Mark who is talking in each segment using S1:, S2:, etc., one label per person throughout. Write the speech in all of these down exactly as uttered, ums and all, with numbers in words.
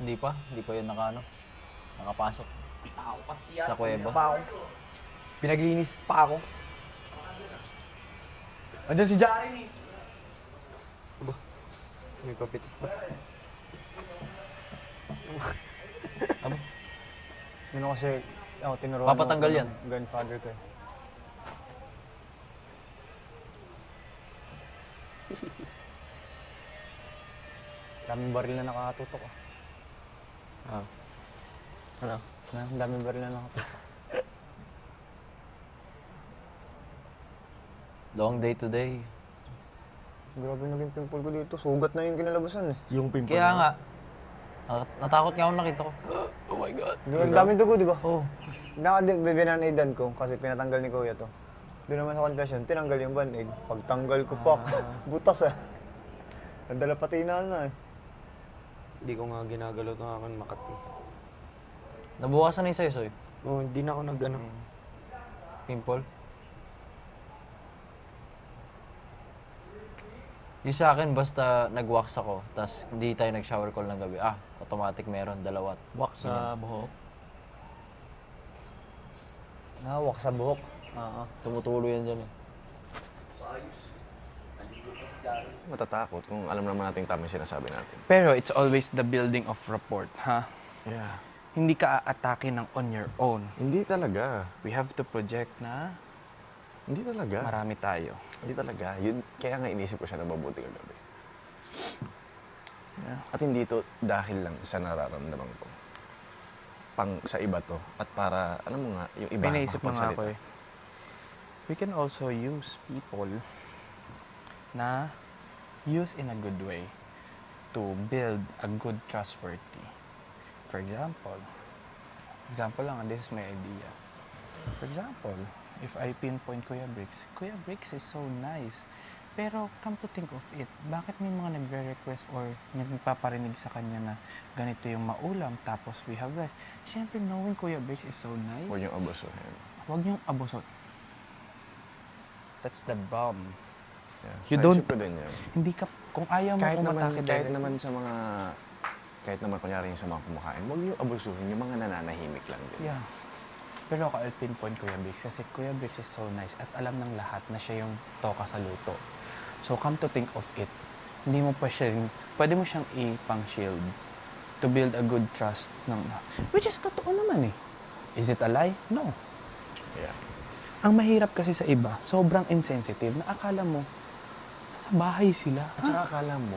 S1: Hindi pa, hindi pa yun naka, ano, nakapasok.
S2: Tao kasi yan.
S1: Sa kuweba.
S3: Pa ako. Pinaglinis pa ako. Andiyan si Jeremy.
S4: May papitik pa.
S1: Aba,
S3: Yun ako kasi, ako tinuruan
S1: Papatanggal
S3: ako
S1: yan.
S3: ng grandfather ko eh. Daming baril na nakatutok ah.
S4: Ah. Ano?
S3: Ang daming baril na nakatutok.
S1: long day today.
S3: Grabe naging pimple ko dito. Sugat na yung kinalabasan eh.
S4: Yung pimple.
S1: Kaya nga, nat- natakot nga ako nakita ko. Oh my God.
S3: Ang daming dugo, di ba?
S1: Oh,
S3: Nakadibinanidan ko kasi pinatanggal ni Kuya to. Doon naman sa confession, tinanggal yung band-aid. Pagtanggal ko pa, butas ah. Nadala pati na na eh.
S4: Hindi ko nga ginagalaw ng akin Makati.
S1: nabukasan na yung sayo, Soy.
S4: Oh, hindi na ako nag ano.
S1: Pimple. Yung sa akin, basta nag-wax ako, tas hindi tayo nag-shower call ng gabi, ah, automatic meron, dalawa.
S2: Wax sa buhok.
S3: Nawak sa buhok. Oo.
S1: Tumutulo yan dyan eh.
S5: Matatakot kung alam naman natin tama yung sinasabi natin.
S2: Pero it's always the building of rapport, ha?
S5: Yeah.
S2: Hindi ka aatake ng on your own.
S5: Hindi talaga.
S2: We have to project na
S5: Hindi talaga.
S2: marami tayo.
S5: Hindi talaga. Yun, kaya nga inisip ko siya na mabuti kagabi.
S2: Yeah.
S5: At hindi to dahil lang sa nararamdaman ko. Pang sa iba to. At para, ano mo nga, yung iba
S2: May naisip mo nga ako
S5: makapagsalita.
S2: eh. We can also use people na use in a good way to build a good trustworthy. For example, example lang, this is my idea. For example, if I pinpoint Kuya Bricks, Kuya Bricks is so nice. Pero come to think of it, bakit may mga nagre-request or nagpaparinig sa kanya na ganito yung maulam tapos we have rice? Siyempre, knowing Kuya Bricks is so nice,
S5: Huwag yung abusuhin.
S2: huwag niyong abusot. That's the bomb.
S5: Yeah.
S2: You
S5: Naisip
S2: don't-
S5: ko din yan.
S2: Hindi ka, kung ayaw mo
S5: Kahit naman,
S2: umatake
S5: kahit
S2: directly,
S5: naman sa mga, kahit naman kunyari yung sa mga kumakain, huwag niyo abusuhin yung mga nananahimik lang din.
S2: yeah. Pero ako, I'll pinpoint Kuya Bricks kasi Kuya Bricks is so nice at alam ng lahat na siya yung toka sa luto. So come to think of it, hindi mo pa siya, pwede mo siyang ipang-shield to build a good trust ng, which is totoo naman eh. Is it a lie? No.
S5: Yeah.
S2: Ang mahirap kasi sa iba, sobrang insensitive na akala mo, sa bahay sila.
S5: At saka akala mo,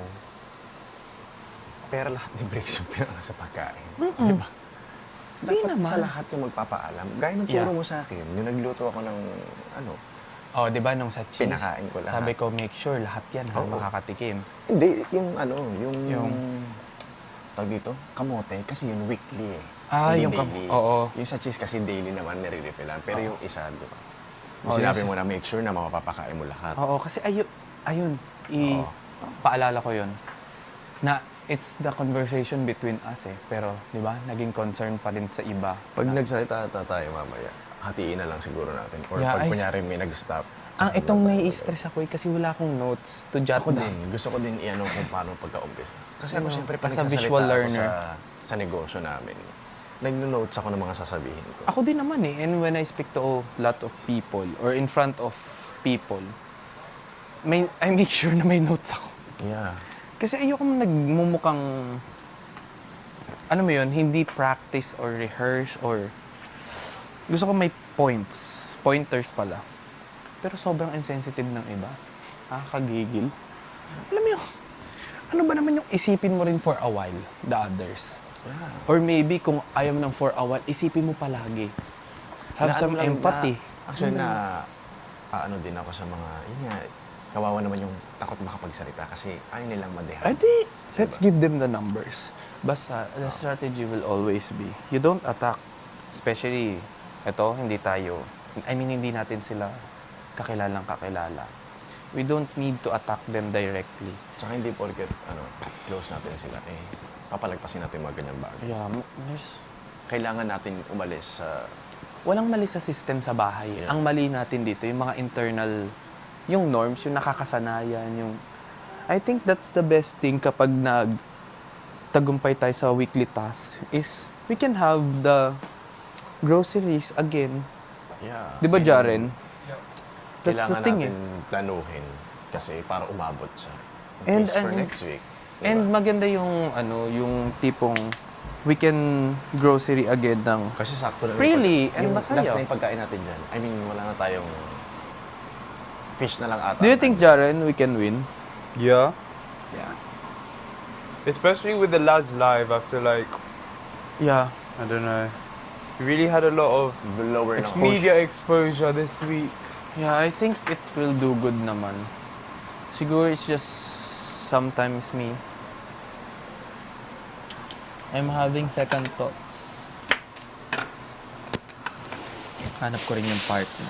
S5: pera lahat ni Bricks yung pinaka sa pagkain.
S2: Mm-mm.
S5: Diba?
S2: Di
S5: Dapat
S2: naman.
S5: sa lahat yung magpapaalam. Gaya ng turo
S2: Yeah.
S5: mo sa akin, yung nagluto ako ng, ano,
S2: Oh, di ba nung sa cheese,
S5: pinakain ko lahat.
S2: sabi ko, make sure lahat yan ha,
S5: Oo.
S2: makakatikim.
S5: Hindi, yung ano, yung...
S2: Yung-
S5: Tawag dito, kamote, kasi yun weekly eh.
S2: Ah,
S5: Hindi
S2: yung kam-
S5: daily.
S2: oo.
S5: Yung sa cheese kasi daily naman nire-refillan. Pero yung isa, di ba? Yung
S2: Oo,
S5: sinabi
S2: yung-
S5: mo na make sure na mapapakain mo lahat.
S2: Oo, kasi ayun, ayun, i
S5: Oo.
S2: paalala ko yun, na it's the conversation between us eh. Pero, di ba, naging concern pa rin sa iba.
S5: Pag
S2: na,
S5: nagsalita ata tayo mamaya, hatiin na lang siguro natin. Or
S2: Yeah,
S5: pag
S2: I-
S5: kunyari may nag-stop.
S2: ang
S5: tsaka
S2: itong
S5: wala tayo.
S2: nai-stress ako eh, kasi wala akong notes to jot
S5: Ako
S2: down.
S5: din, gusto ko din i-ano kung paano pagka-umpisa. Kasi ako
S2: Ano,
S5: siyempre
S2: as
S5: pag
S2: a
S5: nagsasalita
S2: visual
S5: ako
S2: learner.
S5: sa, sa negosyo namin, nagno-notes ako ng mga sasabihin ko.
S2: Ako din naman eh, and when I speak to a lot of people, or in front of people, may, I make sure na may notes ako.
S5: Yeah.
S2: Kasi ayoko nagmumukhang, ano mo yun, hindi practice or rehearse or, gusto ko may points, pointers pala. Pero sobrang insensitive ng iba. Nakakagigil. Alam mo yun, ano ba naman yung isipin mo rin for a while, the others?
S5: Yeah.
S2: Or maybe kung ayaw mo ng for a while, isipin mo palagi. Have
S5: Na
S2: some
S5: ano lang,
S2: empathy.
S5: Na, actually, na ano din ako sa mga, yun nga, kawawa naman yung takot makapagsalita kasi ayaw nilang madehan.
S2: I think, let's give them the numbers. Basta, the strategy will always be, you don't attack, especially, ito, hindi tayo, I mean, hindi natin sila kakilalang kakilala. We don't need to attack them directly.
S5: Tsaka hindi porket, ano, close natin sila, eh, papalagpasin natin mga ganyang bagay.
S2: Yeah, m- there's,
S5: Kailangan natin umalis sa,
S2: walang mali sa system sa bahay.
S5: Yeah.
S2: Ang mali natin dito, yung mga internal, yung norms, yung nakakasanayan, yung... I think that's the best thing kapag nag... nagtagumpay tayo sa weekly task is we can have the groceries again.
S5: Yeah.
S2: Di ba,
S5: and
S2: Jaren? That's the
S5: Kailangan
S2: thing
S5: natin planuhin kasi para umabot siya.
S2: And-
S5: And, for
S2: and-
S5: next week. Diba?
S2: And maganda yung ano, yung tipong we can grocery again ng
S5: Kasi sakto na
S2: freely
S5: yung,
S2: and
S5: yung
S2: masaya.
S5: last na yung pagkain natin dyan. I mean, wala na tayong fish na lang ata.
S2: Do you think, Jaren, we can win?
S6: Yeah.
S2: Yeah.
S6: Especially with the lads live, I feel like,
S2: Yeah.
S6: I don't know. We really had a lot of
S5: lower ng
S6: media exposure this week.
S2: Yeah, I think it will do good naman. Siguro it's just sometimes me. I'm having second thoughts. Hanap ko rin yung partner.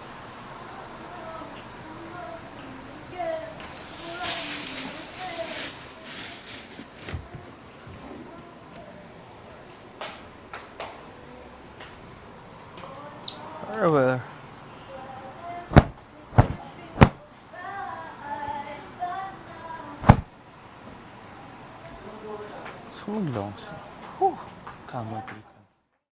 S2: Or well, Sumag long sleeve. Whew. Kama,